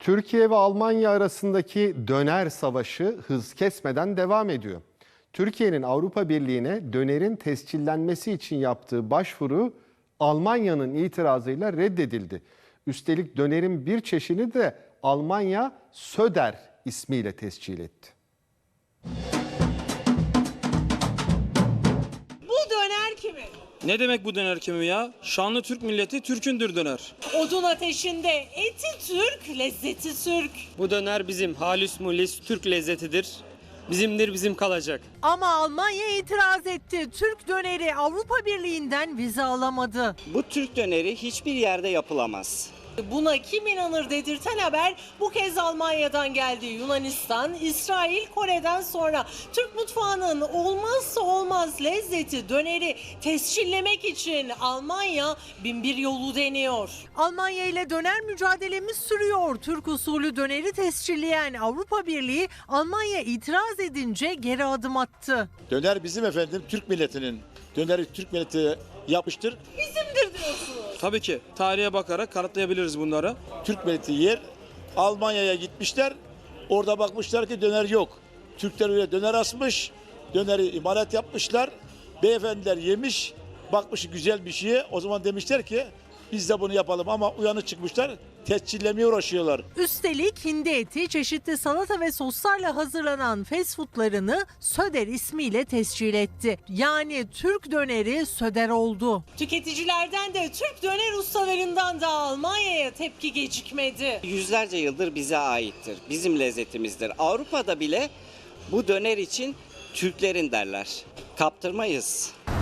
Türkiye ve Almanya arasındaki döner savaşı hız kesmeden devam ediyor. Türkiye'nin Avrupa Birliği'ne dönerin tescillenmesi için yaptığı başvuru Almanya'nın itirazıyla reddedildi. Üstelik dönerin bir çeşidini de Almanya Söder ismiyle tescil etti. Bu döner kimin? Ne demek bu döner kimi ya? Şanlı Türk milleti Türk'ündür döner. Odun ateşinde eti Türk, lezzeti Türk. Bu döner bizim halüs mulis Türk lezzetidir. Bizimdir, bizim kalacak. Ama Almanya itiraz etti. Türk döneri Avrupa Birliği'nden vize alamadı. Bu Türk döneri hiçbir yerde yapılamaz. Buna kim inanır dedirten haber bu kez Almanya'dan geldi. Yunanistan, İsrail, Kore'den sonra Türk mutfağının olmazsa olmaz lezzeti döneri tescillemek için Almanya binbir yolu deniyor. Almanya ile döner mücadelemiz sürüyor. Türk usulü döneri tescilleyen Avrupa Birliği Almanya itiraz edince geri adım attı. Döner bizim efendim, Türk milletinin. Döneri Türk milleti yapmıştır. Bizimdir diyorsunuz. Tabii ki tarihe bakarak kanıtlayabiliriz bunları. Türk milleti yer. Almanya'ya gitmişler. Orada bakmışlar ki döner yok. Türkler öyle döner asmış. Döneri imalat yapmışlar. Beyefendiler yemiş. Bakmış güzel bir şeye. O zaman demişler ki biz de bunu yapalım ama uyanık çıkmışlar. Tescillemeye uğraşıyorlar. Üstelik hindi eti, çeşitli salata ve soslarla hazırlanan fast foodlarını Söder ismiyle tescil etti. Yani Türk döneri Söder oldu. Tüketicilerden de Türk döner ustalarından da Almanya'ya tepki gecikmedi. Yüzlerce yıldır bize aittir. Bizim lezzetimizdir. Avrupa'da bile bu döner için Türklerin derler. Kaptırmayız.